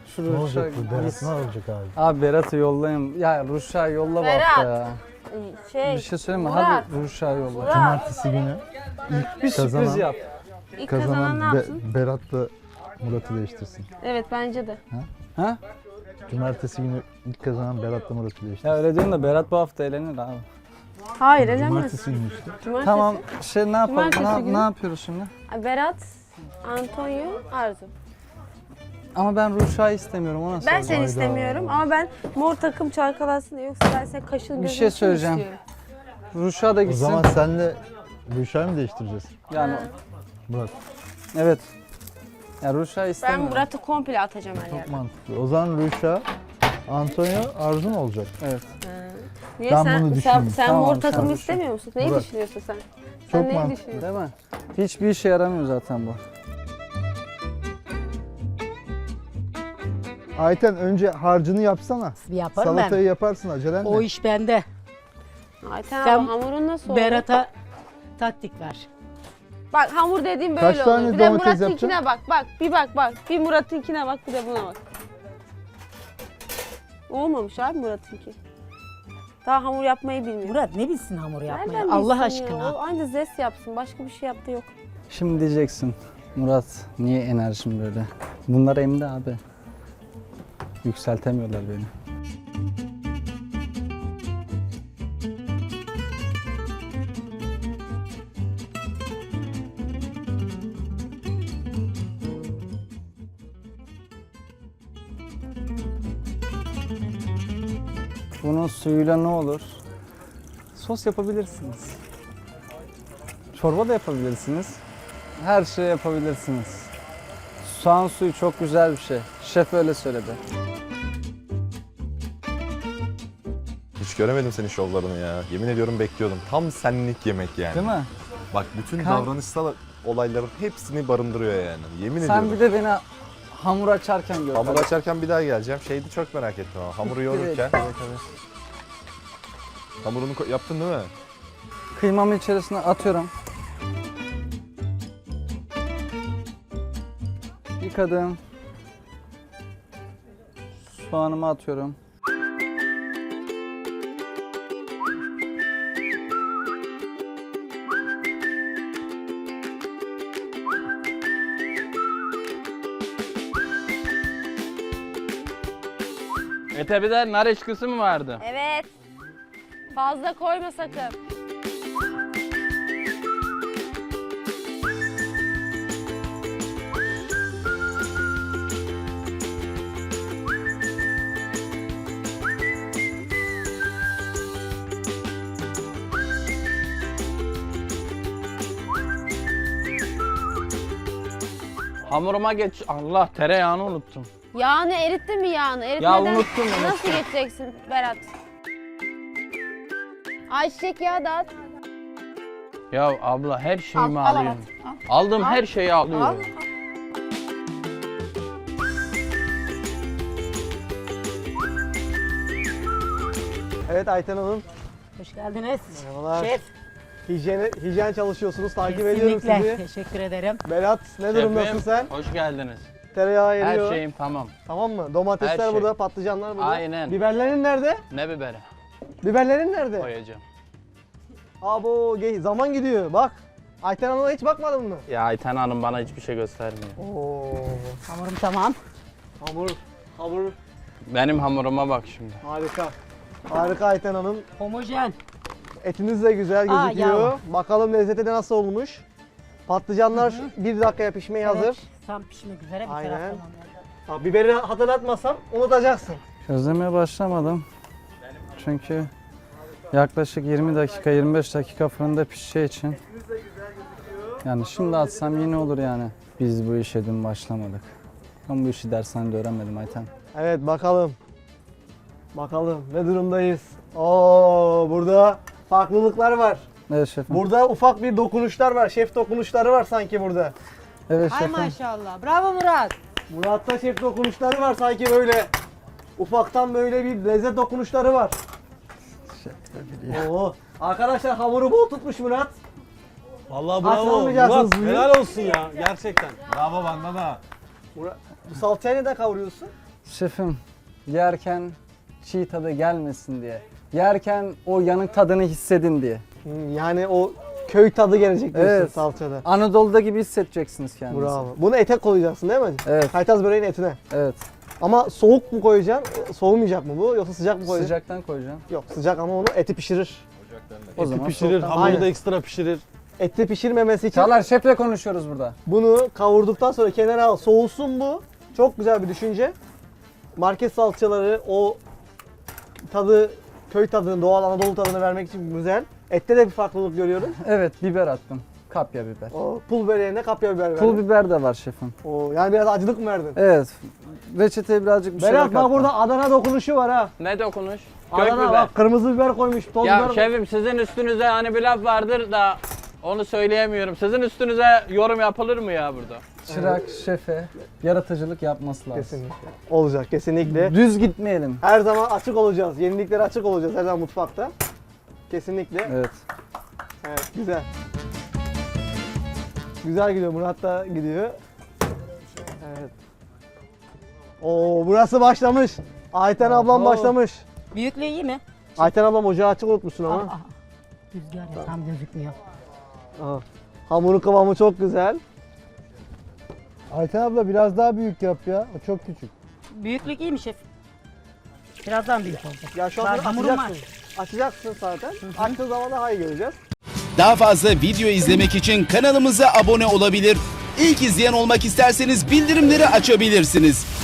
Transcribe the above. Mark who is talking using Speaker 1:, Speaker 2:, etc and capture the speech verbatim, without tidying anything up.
Speaker 1: Şu
Speaker 2: Ne olacak
Speaker 1: Ruşa
Speaker 2: bu? Berat
Speaker 1: gitsin.
Speaker 2: ne olacak abi?
Speaker 1: Abi Berat'ı yollayayım. Ya Ruşa yolla bu
Speaker 3: Berat.
Speaker 1: hafta ya.
Speaker 3: Şey,
Speaker 1: Bir şey söyleyeyim mi?
Speaker 3: Murat.
Speaker 1: Hadi Ruşa yolla.
Speaker 3: Murat.
Speaker 2: Cumartesi günü
Speaker 1: Bir sürpriz
Speaker 2: Kazanan-
Speaker 1: yap.
Speaker 3: İlk kazanan
Speaker 2: kazanan
Speaker 3: ne
Speaker 2: Be-
Speaker 3: yapsın?
Speaker 2: Berat'la Murat'ı değiştirsin.
Speaker 3: Evet bence de.
Speaker 1: Ha?
Speaker 2: Cumartesi günü ilk kazanan Berat'la Murat'ı değiştirsin.
Speaker 1: Ya öyle diyorsun da Berat bu hafta eğlenir abi.
Speaker 3: Hayır elenmez.
Speaker 2: Cumartesi günü işte.
Speaker 3: Cumartesi.
Speaker 1: Tamam şey ne yapalım?
Speaker 3: Cumartesi
Speaker 1: Ne,
Speaker 3: günü.
Speaker 1: ne yapıyoruz şimdi?
Speaker 3: Berat, Antonio, Arzu.
Speaker 1: Ama ben Ruşa'yı istemiyorum ona
Speaker 3: Ben
Speaker 1: soracağım.
Speaker 3: seni istemiyorum ama ben mor takım çalkalasın diye, yoksa ben senin kaşın gözün
Speaker 1: Bir şey söyleyeceğim. Ruşa da
Speaker 2: O
Speaker 1: gitsin.
Speaker 2: zaman senle Ruşa'yı mı değiştireceğiz?
Speaker 1: Yani
Speaker 2: Murat.
Speaker 1: evet. Ya Ruşa'yı
Speaker 3: Ben
Speaker 1: istemiyorum.
Speaker 3: Murat'ı komple atacağım her
Speaker 2: Çok
Speaker 3: yerden.
Speaker 2: mantıklı. O zaman Ruşa, Antonio, Arzu mu olacak?
Speaker 1: Evet.
Speaker 3: Niye
Speaker 2: Ben
Speaker 3: sen,
Speaker 2: bunu
Speaker 3: sen,
Speaker 2: düşündüm.
Speaker 3: sen
Speaker 1: Tamam,
Speaker 3: mor
Speaker 1: sen
Speaker 3: takımı
Speaker 1: düşün.
Speaker 3: istemiyor musun? Neyi
Speaker 2: Murat.
Speaker 3: düşünüyorsun sen? Sen
Speaker 2: Çok
Speaker 3: neyi
Speaker 2: mantıklı.
Speaker 3: düşünüyorsun?
Speaker 1: Değil mi? Hiçbir işe yaramıyor zaten bu.
Speaker 2: Ayten önce harcını yapsana.
Speaker 4: Yaparım
Speaker 2: Salatayı
Speaker 4: ben.
Speaker 2: yaparsın acelen
Speaker 4: O
Speaker 2: ne?
Speaker 4: iş bende.
Speaker 3: Ayten
Speaker 4: Sen
Speaker 3: abla hamurun nasıl oldu?
Speaker 4: Berat'a taktik ver.
Speaker 3: Bak hamur dediğim böyle
Speaker 2: Kaç tane
Speaker 3: olur. Bir de
Speaker 2: domates
Speaker 3: Murat'ınkine
Speaker 2: yapacaksın?
Speaker 3: bak bak. Bir bak bak. Bir Murat'ınkine bak, bir de buna bak. Olmamış abi Murat'ınki. Daha hamur yapmayı bilmiyor.
Speaker 4: Murat ne bilsin hamur yapmayı?
Speaker 3: Nereden
Speaker 4: Allah
Speaker 3: bilsin
Speaker 4: aşkına.
Speaker 3: ya? O anca zest yapsın. Başka bir şey yaptı yok.
Speaker 1: Şimdi diyeceksin Murat niye enerjim böyle? Bunlar emdi abi. Yükseltemiyorlar beni. Bunun suyuyla ne olur? Sos yapabilirsiniz. Çorba da yapabilirsiniz. Her şeyi yapabilirsiniz. Soğan suyu çok güzel bir şey. Şef öyle söyledi.
Speaker 5: Hiç göremedim senin şovlarını ya. Yemin ediyorum bekliyordum. Tam senlik yemek yani.
Speaker 1: Değil mi?
Speaker 5: Bak bütün
Speaker 1: Kan-
Speaker 5: davranışsal olayların hepsini barındırıyor yani. Yemin
Speaker 1: Sen
Speaker 5: ediyorum.
Speaker 1: bir de beni hamur açarken gör.
Speaker 5: Hamur
Speaker 1: tabii.
Speaker 5: açarken bir daha geleceğim. Şeydi çok merak ettim ama hamuru yoğururken.
Speaker 1: Evet, evet.
Speaker 5: Hamurunu ko- yaptın değil mi?
Speaker 1: Kıymamı içerisine atıyorum. Yıkadım. Soğanımı atıyorum.
Speaker 6: Ete bir de nar eşkisi mi vardı?
Speaker 3: Evet. Fazla koyma sakın.
Speaker 6: Hamuruma geç. Allah tereyağını unuttum.
Speaker 3: Yağını erittin mi yağını? Eritmeden
Speaker 6: Ya unuttum, unuttum.
Speaker 3: nasıl geçeceksin Berat? Ayçiçek yağı da at.
Speaker 6: Ya abla her şeyimi
Speaker 3: Al, al,
Speaker 6: alıyorum.
Speaker 3: al,
Speaker 6: Aldım her şeyi alıyorum.
Speaker 7: Evet Ayten Hanım,
Speaker 4: Hoş geldiniz.
Speaker 7: merhabalar.
Speaker 4: Şef.
Speaker 7: Hijyen, hijyen çalışıyorsunuz, takip ediyorum
Speaker 4: Kesinlikle.
Speaker 7: sizi.
Speaker 4: Teşekkür ederim.
Speaker 7: Berat, ne durumdasın sen?
Speaker 6: Hoş geldiniz.
Speaker 7: Tereyağı
Speaker 6: Her
Speaker 7: eriyor.
Speaker 6: şeyim tamam.
Speaker 7: Tamam mı? Domatesler
Speaker 6: Her şey.
Speaker 7: burada, patlıcanlar burada.
Speaker 6: Aynen.
Speaker 7: Biberlerin nerede?
Speaker 6: Ne biberi
Speaker 7: Biberlerin nerede?
Speaker 6: koyacağım.
Speaker 7: Abo, ge- zaman gidiyor. Bak, Ayten Hanım'a hiç bakmadın mı?
Speaker 6: Ya Ayten Hanım bana hiçbir şey göstermiyor.
Speaker 7: Oo,
Speaker 4: Hamurum tamam.
Speaker 7: hamur, hamur
Speaker 6: Benim hamuruma bak şimdi.
Speaker 7: harika. Harika Ayten Hanım.
Speaker 4: Homojen.
Speaker 7: Etiniz de güzel
Speaker 4: Aa,
Speaker 7: gözüküyor.
Speaker 4: yağ.
Speaker 7: Bakalım lezzeti de nasıl olmuş. Patlıcanlar bir dakikaya pişmeye hazır.
Speaker 4: Evet, tam pişmek üzere bir
Speaker 7: Aynen.
Speaker 4: taraftan.
Speaker 7: Ha, biberi hatırlatmasam unutacaksın.
Speaker 1: Közlemeye başlamadım. Çünkü yaklaşık yirmi dakika, yirmi beş dakika fırında pişeceği için. Yani şimdi atsam yine olur yani. Biz bu işe dün başlamadık. Ben bu işi dershanede öğrenmedim Ayten.
Speaker 7: Evet bakalım. Bakalım ne durumdayız. Oo burada farklılıklar var.
Speaker 1: Evet şefim.
Speaker 7: Burada ufak bir dokunuşlar var. Şef dokunuşları var sanki burada.
Speaker 1: Evet
Speaker 4: Ay
Speaker 1: şefim.
Speaker 4: maşallah. Bravo Murat.
Speaker 7: Murat'ta şef dokunuşları var sanki böyle. Ufaktan böyle bir lezzet dokunuşları var. Oo. Arkadaşlar hamuru bol tutmuş Murat.
Speaker 8: Vallahi
Speaker 7: Aslan
Speaker 8: bravo.
Speaker 7: olmayacaksınız
Speaker 8: Murat
Speaker 7: bugün.
Speaker 8: helal olsun ya gerçekten. Bravo bana da.
Speaker 7: Murat, bu salçayı neden kavuruyorsun?
Speaker 1: Şefim, yerken çiğ tadı gelmesin diye. Yerken o yanık tadını hissedin diye.
Speaker 7: Hmm, Yani o köy tadı gelecek diyorsun
Speaker 1: Evet.
Speaker 7: salçada.
Speaker 1: Anadolu'da gibi hissedeceksiniz kendinizi.
Speaker 7: Bravo. Bunu ete koyacaksın değil mi?
Speaker 1: Evet,
Speaker 7: Kaytaz böreğin etine.
Speaker 1: evet.
Speaker 7: Ama soğuk mu koyacaksın? Soğumayacak mı bu yoksa sıcak mı koyacaksın?
Speaker 1: Sıcaktan koyacağım.
Speaker 7: Yok sıcak ama onu eti pişirir.
Speaker 1: O
Speaker 2: Eti
Speaker 1: zaman
Speaker 2: pişirir,
Speaker 1: soğuktan-
Speaker 2: hamuru
Speaker 7: Aynen.
Speaker 2: da ekstra pişirir.
Speaker 7: Eti pişirmemesi için
Speaker 1: Çağlar şefle konuşuyoruz burada.
Speaker 7: bunu kavurduktan sonra kenara al. Soğusun bu. Çok güzel bir düşünce. Market salçaları o tadı, köy tadını, doğal Anadolu tadını vermek için güzel. Ette de bir farklılık görüyorum.
Speaker 1: Evet, biber attım. Kapya biber.
Speaker 7: O pul böreğine kapya biber verdin.
Speaker 1: Pul biber de var şefim.
Speaker 7: O yani biraz acılık mı verdin?
Speaker 1: Evet. Reçeteye birazcık bir şeyler
Speaker 7: Berat bak
Speaker 1: kattım.
Speaker 7: burada Adana dokunuşu var ha.
Speaker 6: Ne dokunuş? Kök
Speaker 7: Adana
Speaker 6: biber.
Speaker 7: bak kırmızı biber koymuş, toz
Speaker 6: Ya
Speaker 7: biber.
Speaker 6: şefim sizin üstünüze hani bir laf vardır da onu söyleyemiyorum. Sizin üstünüze yorum yapılır mı ya burada?
Speaker 1: Çırak, şefe yaratıcılık yapması lazım.
Speaker 7: Kesinlikle. Olacak kesinlikle.
Speaker 1: Düz gitmeyelim.
Speaker 7: Her zaman açık olacağız. Yeniliklere açık olacağız her zaman mutfakta. Kesinlikle.
Speaker 1: Evet.
Speaker 7: Evet, güzel. Güzel gidiyor. Murat da gidiyor. Evet. Oo, burası başlamış. Ayten ablam
Speaker 1: Oho.
Speaker 7: başlamış.
Speaker 4: Büyüklüğü iyi mi?
Speaker 7: Ayten ablam ocağı açık unutmuşsun
Speaker 4: Aa,
Speaker 7: ama.
Speaker 4: aa. Rüzgar ya tam gözükmüyor.
Speaker 7: Aha. Hamurun kıvamı çok güzel.
Speaker 2: Ayten abla biraz daha büyük yap ya. O çok küçük.
Speaker 4: Büyüklük iyi mi şef? Birazdan büyük olacak.
Speaker 7: Ya şu
Speaker 4: Var,
Speaker 7: an
Speaker 4: hamurum var.
Speaker 7: açacaksın. Açacaksın zaten. Açtığın zaman daha iyi göreceğiz.
Speaker 8: Daha fazla video izlemek için kanalımıza abone olabilir. İlk izleyen olmak isterseniz bildirimleri açabilirsiniz.